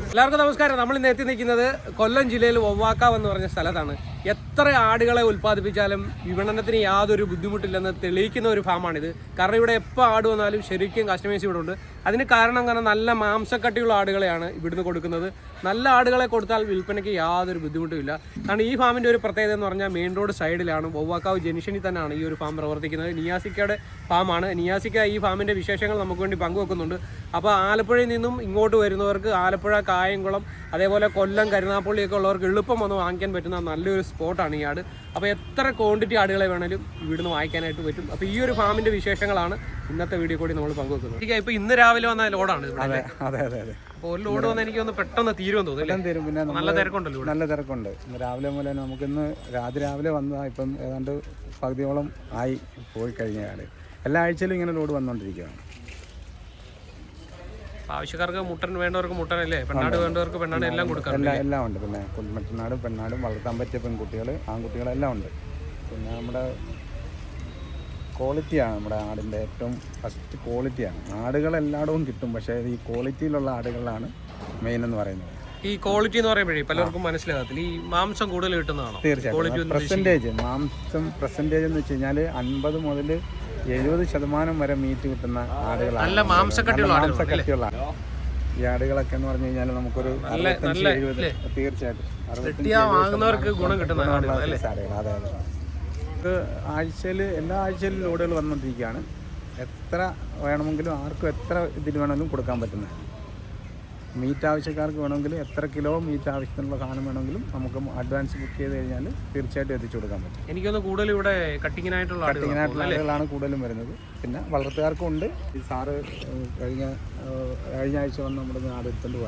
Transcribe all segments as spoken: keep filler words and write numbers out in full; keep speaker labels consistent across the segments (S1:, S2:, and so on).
S1: എല്ലാവർക്കും നമസ്കാരം. നമ്മൾ ഇന്ന് എത്തി നിൽക്കുന്നത് കൊല്ലം ജില്ലയിൽ വവ്വാക്കാവ് എന്ന് പറഞ്ഞ സ്ഥലത്താണ്. എത്ര ആടുകളെ ഉൽപ്പാദിപ്പിച്ചാലും വിപണനത്തിന് യാതൊരു ബുദ്ധിമുട്ടില്ലെന്ന് തെളിയിക്കുന്ന ഒരു ഫാമാണിത്. കാരണം ഇവിടെ എപ്പോൾ ആട് വന്നാലും ശരിക്കും കസ്റ്റമേഴ്സ് ഇവിടെ ഉണ്ട്. അതിന് കാരണം കാരണം നല്ല മാംസക്കട്ടിയുള്ള ആടുകളെയാണ് ഇവിടുന്ന് കൊടുക്കുന്നത്. നല്ല ആടുകളെ കൊടുത്താൽ വിൽപ്പനയ്ക്ക് യാതൊരു ബുദ്ധിമുട്ടുമില്ല. കാരണം ഈ ഫാമിൻ്റെ ഒരു പ്രത്യേകത എന്ന് പറഞ്ഞാൽ മെയിൻ റോഡ് സൈഡിലാണ്, വവ്വാക്കാവ് ജംഗ്ഷനിൽ തന്നെയാണ് ഈ ഒരു ഫാം പ്രവർത്തിക്കുന്നത്. നിയാസിക്കയുടെ ഫാമാണ്. നിയാസിക്ക ഈ ഫാമിൻ്റെ വിശേഷങ്ങൾ നമുക്ക് വേണ്ടി പങ്കുവെക്കുന്നുണ്ട്. അപ്പോൾ ആലപ്പുഴയിൽ നിന്നും ഇങ്ങോട്ട് വരുന്നവർക്ക് ആലപ്പുഴ, കായംകുളം, അതേപോലെ കൊല്ലം, കരുനാപ്പള്ളിയൊക്കെ ഉള്ളവർക്ക് എളുപ്പം വന്ന് വാങ്ങിക്കാൻ പറ്റുന്ന നല്ലൊരു സ്പോട്ടാണ് ഈ ആട്. അപ്പോൾ എത്ര ക്വാണ്ടിറ്റി ആടുകളെ വേണമെങ്കിലും ഇവിടുന്ന് വാങ്ങിക്കാനായിട്ട് പറ്റും. അപ്പോൾ ഈ ഒരു ഫാമിൻ്റെ വിശേഷങ്ങളാണ് ഇന്നത്തെ വീഡിയോ കൂടി നമ്മൾ പങ്കുവെക്കുന്നത്. എനിക്ക് ഇപ്പോൾ ഇന്ന് രാവിലെ വന്ന ലോഡാണ്.
S2: അതെ അതെ അതെ അതെ
S1: അപ്പോൾ ഒരു ലോഡ് വന്ന് എനിക്ക് ഒന്ന് പെട്ടെന്ന് തീരുമെന്ന് തോന്നുന്നു.
S2: തീരും. പിന്നെ
S1: നല്ല തിരക്കുണ്ടല്ലോ,
S2: നല്ല തിരക്കുണ്ട്. ഇന്ന് രാവിലെ മുതൽ നമുക്കിന്ന് രാത്രി രാവിലെ വന്നതാണ്. ഇപ്പം ഏതാണ്ട് പകുതിയോളം ആയി പോയി കഴിഞ്ഞ ആട്. എല്ലാ ആഴ്ചയിലും ഇങ്ങനെ ലോഡ് വന്നുകൊണ്ടിരിക്കുകയാണ്.
S1: ആവശ്യക്കാർക്ക് മുട്ടൻ വേണ്ടവർക്ക് മുട്ടനല്ലേ, പെണ്ണാട് വേണ്ടവർക്ക് പെണ്ണാട് എല്ലാം കൊടുക്കാം.
S2: എല്ലാം എല്ലാം ഉണ്ട്. പിന്നെ മറ്റന്നാടും പെണ്ണാടും വളർത്താൻ പറ്റിയ പെൺകുട്ടികൾ, ആൺകുട്ടികളെല്ലാം ഉണ്ട്. പിന്നെ നമ്മുടെ ക്വാളിറ്റിയാണ് നമ്മുടെ ആടിൻ്റെ ഏറ്റവും ഫസ്റ്റ് ക്വാളിറ്റിയാണ്. ആടുകളെല്ലായിടവും കിട്ടും, പക്ഷേ ഈ ക്വാളിറ്റിയിലുള്ള ആടുകളാണ് മെയിൻ എന്ന് പറയുന്നത്.
S1: ഈ ക്വാളിറ്റി എന്ന് പറയുമ്പോഴേ പലർക്കും മനസ്സിലാകത്തില്ല. ഈ മാംസം കൂടുതൽ കിട്ടുന്നതാണോ?
S2: തീർച്ചയായിട്ടും. പെർസെൻറ്റേജ് മാംസം പെർസെൻറ്റേജ് എന്ന് വെച്ച് കഴിഞ്ഞാൽ അൻപത് മുതൽ എഴുപത് ശതമാനം വരെ മീറ്റ് കിട്ടുന്ന ആടുകളാണ്.
S1: നല്ല മാംസക്കട്ടിയുള്ള
S2: മാംസക്കട്ടിയുള്ള ഈ ആടുകളൊക്കെ എന്ന് പറഞ്ഞു കഴിഞ്ഞാൽ നമുക്കൊരു അറുപത്തഞ്ച് എഴുപത് തീർച്ചയായിട്ടും
S1: വാങ്ങുന്നവർക്ക് ഗുണം കിട്ടുന്ന ആടുകൾ.
S2: അതെ അതെ. നമുക്ക് ആഴ്ചയിൽ എല്ലാ ആഴ്ചയിലും ലോഡുകൾ വന്നുകൊണ്ടിരിക്കുകയാണ്. എത്ര വേണമെങ്കിലും ആർക്കും എത്ര ഇതിൽ വേണമെങ്കിലും കൊടുക്കാൻ പറ്റുന്നത്. മീറ്റ് ആവശ്യക്കാർക്ക് വേണമെങ്കിൽ എത്ര കിലോ മീറ്റ് ആവശ്യത്തിനുള്ള സാധനം വേണമെങ്കിലും നമുക്ക് അഡ്വാൻസ് ബുക്ക് ചെയ്ത് കഴിഞ്ഞാൽ തീർച്ചയായിട്ടും എത്തിച്ചു കൊടുക്കാൻ പറ്റും.
S1: എനിക്കൊന്ന് കൂടുതൽ ഇവിടെ കട്ടിങ്ങിനായിട്ടുള്ള
S2: കട്ടിങ്ങിനായിട്ടുള്ള ആളുകളാണ് കൂടുതലും വരുന്നത്. പിന്നെ വളർത്തുകാർക്കും ഉണ്ട്. ഈ സാറ് കഴിഞ്ഞ കഴിഞ്ഞ ആഴ്ച വന്ന് നമ്മുടെ നാട് എടുത്തുകൊണ്ട്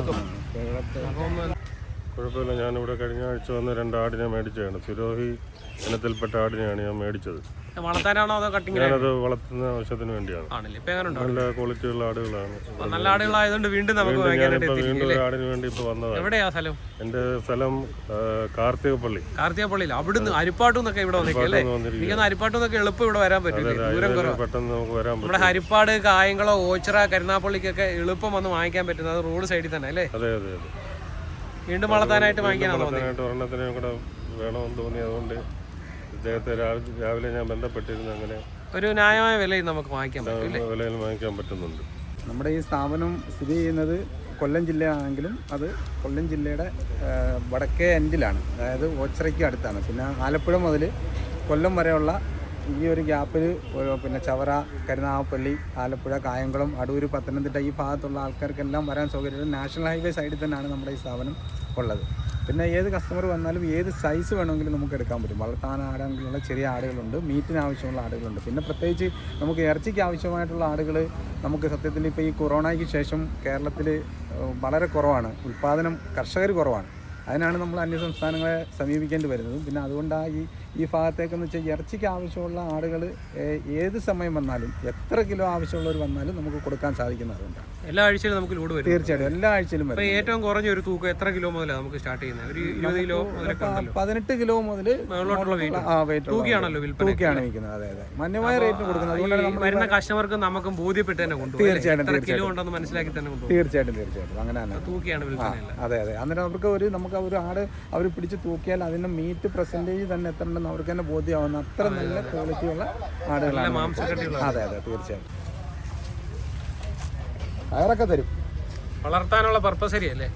S2: പോയാണ്.
S3: കുഴപ്പമില്ല. ഞാനിവിടെ കഴിഞ്ഞ ആഴ്ച വന്ന് രണ്ട് ആടിനെ മേടിച്ചതാണ്. സിരോഹി ഇനത്തിൽപ്പെട്ട ആടിനെയാണ് ഞാൻ മേടിച്ചത്.
S1: വളർത്താനാണോ അതോ കട്ടിങ്?
S3: ഞാനത് വളർത്തുന്ന ആവശ്യത്തിന് വേണ്ടിയാണ്. നല്ല ക്വാളിറ്റിയുള്ള ആടുകളാണ്.
S1: നല്ല ആടുകളായതുകൊണ്ട് വീണ്ടും നമുക്ക്
S3: വീണ്ടും ഒരു ആടിന് വേണ്ടി ഇപ്പൊ വന്നതാണ്.
S1: എവിടെയാ സ്ഥലം?
S3: എന്റെ സ്ഥലം കാർത്തികപ്പള്ളി.
S1: കാർത്തികപ്പള്ളിയിൽ അവിടുന്ന് ഹരിപ്പാട്ടുന്നൊക്കെ ഇവിടെ വന്നിരിക്കല്ലേ? എനിക്കൊന്ന് ഹരിപ്പാട്ടുന്നൊക്കെ എളുപ്പം ഇവിടെ വരാൻ പറ്റും.
S3: പെട്ടെന്ന് നമുക്ക് വരാൻ പറ്റും.
S1: നമ്മുടെ ഹരിപ്പാട്, കായംകുളം, ഓച്ചിറ, കരുനാപ്പള്ളിക്കൊക്കെ എളുപ്പം വന്ന് വാങ്ങിക്കാൻ പറ്റുന്നത് റോഡ് സൈഡിൽ തന്നെ അല്ലേ?
S3: അതെ അതെ അതെ.
S1: വീണ്ടും വളർത്താനായിട്ട് വാങ്ങിക്കാനാണോ?
S3: ഒരെണ്ണത്തിനെ കൂടെ വേണമെന്ന് തോന്നി. അതുകൊണ്ട് ഇദ്ദേഹത്തെ രാവിലെ ഞാൻ ബന്ധപ്പെട്ടിരുന്നു. അങ്ങനെ
S1: ഒരു ന്യായമായ വിലയിൽ നമുക്ക് വാങ്ങിക്കാൻ പറ്റും.
S3: വിലയിൽ വാങ്ങിക്കാൻ പറ്റുന്നുണ്ട്.
S2: നമ്മുടെ ഈ സ്ഥാപനം സ്ഥിതി ചെയ്യുന്നത് കൊല്ലം ജില്ലയാണെങ്കിലും അത് കൊല്ലം ജില്ലയുടെ വടക്കേ എൻഡിലാണ്, അതായത് ഓച്ചിറയ്ക്ക് അടുത്താണ്. പിന്നെ ആലപ്പുഴ മുതൽ കൊല്ലം വരെയുള്ള ഈ ഒരു ഗ്യാപ്പിൽ പിന്നെ ചവറ, കരുനാഗപ്പള്ളി, ആലപ്പുഴ, കായംകുളം, അടൂർ, പത്തനംതിട്ട ഈ ഭാഗത്തുള്ള ആൾക്കാർക്കെല്ലാം വരാൻ സൗകര്യം നാഷണൽ ഹൈവേ സൈഡിൽ തന്നെയാണ് നമ്മുടെ ഈ സ്ഥാപനം ഉള്ളത്. പിന്നെ ഏത് കസ്റ്റമർ വന്നാലും ഏത് സൈസ് വേണമെങ്കിലും നമുക്ക് എടുക്കാൻ പറ്റും. വളർത്താൻ ആടാനുള്ള ചെറിയ ആടുകളുണ്ട്, മീറ്റിന് ആവശ്യമുള്ള ആടുകളുണ്ട്. പിന്നെ പ്രത്യേകിച്ച് നമുക്ക് ഇറച്ചിക്ക് ആവശ്യമായിട്ടുള്ള ആടുകൾ നമുക്ക് സത്യത്തിൽ ഇപ്പോൾ ഈ കൊറോണയ്ക്ക് ശേഷം കേരളത്തിൽ വളരെ കുറവാണ് ഉൽപ്പാദനം, കർഷകർ കുറവാണ്. അതിനാണ് നമ്മൾ അന്യ സംസ്ഥാനങ്ങളെ സമീപിക്കേണ്ടി വരുന്നത്. പിന്നെ അതുകൊണ്ടാണ് ഈ ഈ ഭാഗത്തേക്കെന്ന് വെച്ചാൽ ഇറച്ചിക്ക് ആവശ്യമുള്ള ആടുകൾ ഏത് സമയം വന്നാലും എത്ര കിലോ ആവശ്യമുള്ളവർ വന്നാലും നമുക്ക് കൊടുക്കാൻ സാധിക്കുന്നതുകൊണ്ടാണ്.
S1: എല്ലാ ആഴ്ചയിലും നമുക്ക് ലോഡ് വരും.
S2: തീർച്ചയായിട്ടും എല്ലാ ആഴ്ചയിലും വരും.
S1: ഏറ്റവും കുറഞ്ഞ ഒരു തൂക്കം എത്ര കിലോ മുതലാണ് നമുക്ക് സ്റ്റാർട്ട് ചെയ്യുന്നത്? ഒരു ഇരുപത് കിലോ
S2: പതിനെട്ട് കിലോ മുതൽ
S1: തൂക്കിയാണല്ലോ
S2: തൂക്കിയാണ് വിൽക്കുന്നത്. അതെ അതെ, മാന്യമായ റേറ്റിന് കൊടുക്കുന്നത്. അതുകൊണ്ടാണ്
S1: വരുന്ന കസ്റ്റമർക്ക് നമുക്ക് ബോധ്യപ്പെട്ട് തന്നെ കൊണ്ടുപോകും.
S2: തീർച്ചയായിട്ടും
S1: കിലോ ഉണ്ടെന്ന് മനസ്സിലാക്കി തന്നെ കൊണ്ടുപോകും.
S2: തീർച്ചയായിട്ടും തീർച്ചയായിട്ടും അങ്ങനെ തന്നെ
S1: തൂക്കിയാണ് വിൽക്കുന്നത്.
S2: അതെ അതെ. അന്നേരം അവർക്ക് ഒരു നമുക്ക് ഒരു ആട് അവർ പിടിച്ച് തൂക്കിയാൽ അതിൻ്റെ മീറ്റ് പെർസെൻറ്റേജ് തന്നെ എത്ര ഉണ്ടെന്ന് അവർക്ക് തന്നെ ബോധ്യമാവുന്ന അത്ര നല്ല ക്വാളിറ്റിയുള്ള ആടുകളാണ്. അതെ അതെ തീർച്ചയായിട്ടും. കയറൊക്കെ തരും.
S1: വളർത്താനുള്ള പർപ്പസ് ശരിയല്ലേ?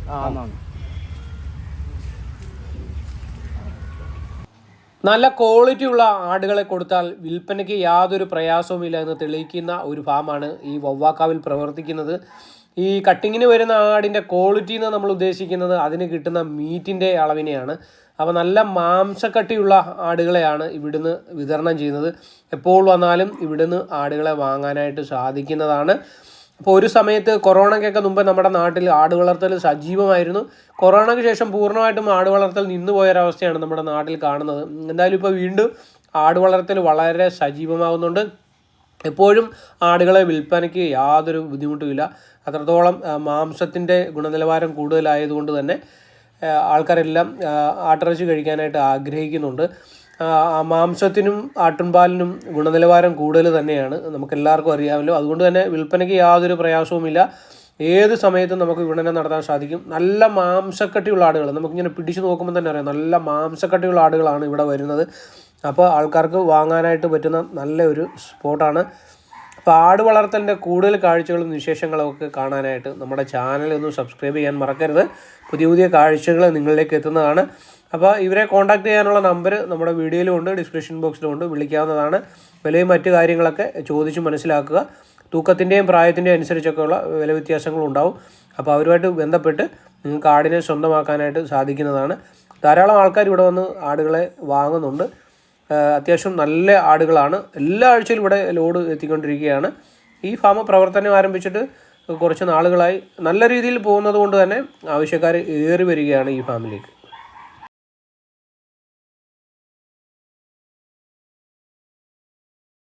S1: നല്ല ക്വാളിറ്റി ഉള്ള ആടുകളെ കൊടുത്താൽ വിൽപ്പനയ്ക്ക് യാതൊരു പ്രയാസവുമില്ല എന്ന് തെളിയിക്കുന്ന ഒരു ഫാമാണ് ഈ വവ്വാക്കാവിൽ പ്രവർത്തിക്കുന്നത്. ഈ കട്ടിങ്ങിന് വരുന്ന ആടിൻ്റെ ക്വാളിറ്റി എന്ന് നമ്മൾ ഉദ്ദേശിക്കുന്നത് അതിന് കിട്ടുന്ന മീറ്റിൻ്റെ അളവിനെയാണ്. അപ്പോൾ നല്ല മാംസക്കട്ടിയുള്ള ആടുകളെയാണ് ഇവിടുന്ന് വിതരണം ചെയ്യുന്നത്. എപ്പോൾ വന്നാലും ഇവിടുന്ന് ആടുകളെ വാങ്ങാനായിട്ട് സാധിക്കുന്നതാണ്. അപ്പോൾ ഒരു സമയത്ത് കൊറോണയ്ക്കൊക്കെ മുമ്പ് നമ്മുടെ നാട്ടിൽ ആട് വളർത്തൽ സജീവമായിരുന്നു. കൊറോണയ്ക്ക് ശേഷം പൂർണ്ണമായിട്ടും ആട് വളർത്തൽ നിന്നു പോയൊരവസ്ഥയാണ് നമ്മുടെ നാട്ടിൽ കാണുന്നത്. എന്തായാലും ഇപ്പോൾ വീണ്ടും ആട് വളർത്തൽ വളരെ സജീവമാകുന്നുണ്ട്. എപ്പോഴും ആടുകളെ വിൽപ്പനയ്ക്ക് യാതൊരു ബുദ്ധിമുട്ടുമില്ല. അത്രത്തോളം മാംസത്തിൻ്റെ ഗുണനിലവാരം കൂടുതലായതുകൊണ്ട് തന്നെ ആൾക്കാരെല്ലാം ആട്ടിറച്ചി കഴിക്കാനായിട്ട് ആഗ്രഹിക്കുന്നുണ്ട്. മാംസത്തിനും ആട്ടിൻപാലിനും ഗുണനിലവാരം കൂടുതൽ തന്നെയാണ്, നമുക്കെല്ലാവർക്കും അറിയാമല്ലോ. അതുകൊണ്ട് തന്നെ വിൽപ്പനയ്ക്ക് യാതൊരു പ്രയാസവുമില്ല. ഏത് സമയത്തും നമുക്ക് വിപണനം നടത്താൻ സാധിക്കും. നല്ല മാംസക്കട്ടിയുള്ള ആടുകൾ, നമുക്കിങ്ങനെ പിടിച്ച് നോക്കുമ്പോൾ തന്നെ അറിയാം നല്ല മാംസക്കട്ടിയുള്ള ആടുകളാണ് ഇവിടെ വരുന്നത്. അപ്പോൾ ആൾക്കാർക്ക് വാങ്ങാനായിട്ട് പറ്റുന്ന നല്ലൊരു സ്പോട്ടാണ്. അപ്പോൾ ആട് വളർത്തലിൻ്റെ കൂടുതൽ കാഴ്ചകളും വിശേഷങ്ങളും ഒക്കെ കാണാനായിട്ട് നമ്മുടെ ചാനൽ ഒന്ന് സബ്സ്ക്രൈബ് ചെയ്യാൻ മറക്കരുത്. പുതിയ പുതിയ കാഴ്ചകൾ നിങ്ങളിലേക്ക് എത്തുന്നതാണ്. അപ്പോൾ ഇവരെ കോൺടാക്ട് ചെയ്യാനുള്ള നമ്പർ നമ്മുടെ വീഡിയോയിലും ഉണ്ട്, ഡിസ്ക്രിപ്ഷൻ ബോക്സിലും ഉണ്ട്, വിളിക്കാവുന്നതാണ്. വിലയും മറ്റു കാര്യങ്ങളൊക്കെ ചോദിച്ച് മനസ്സിലാക്കുക. തൂക്കത്തിൻ്റെയും പ്രായത്തിൻ്റെയും അനുസരിച്ചൊക്കെയുള്ള വില വ്യത്യാസങ്ങളുണ്ടാവും. അപ്പോൾ അവരുമായിട്ട് ബന്ധപ്പെട്ട് നിങ്ങൾക്ക് ആടിനെ സ്വന്തമാക്കാനായിട്ട് സാധിക്കുന്നതാണ്. ധാരാളം ആൾക്കാർ ഇവിടെ വന്ന് ആടുകളെ വാങ്ങുന്നുണ്ട്. അത്യാവശ്യം നല്ല ആടുകളാണ്. എല്ലാ ആഴ്ചയിലും ഇവിടെ ലോഡ് എത്തിക്കൊണ്ടിരിക്കുകയാണ്. ഈ ഫാം പ്രവർത്തനം ആരംഭിച്ചിട്ട് കുറച്ച് നാളുകളായി നല്ല രീതിയിൽ പോകുന്നത് കൊണ്ട് തന്നെ ആവശ്യക്കാർ ഏറി വരികയാണ് ഈ ഫാമിലേക്ക്.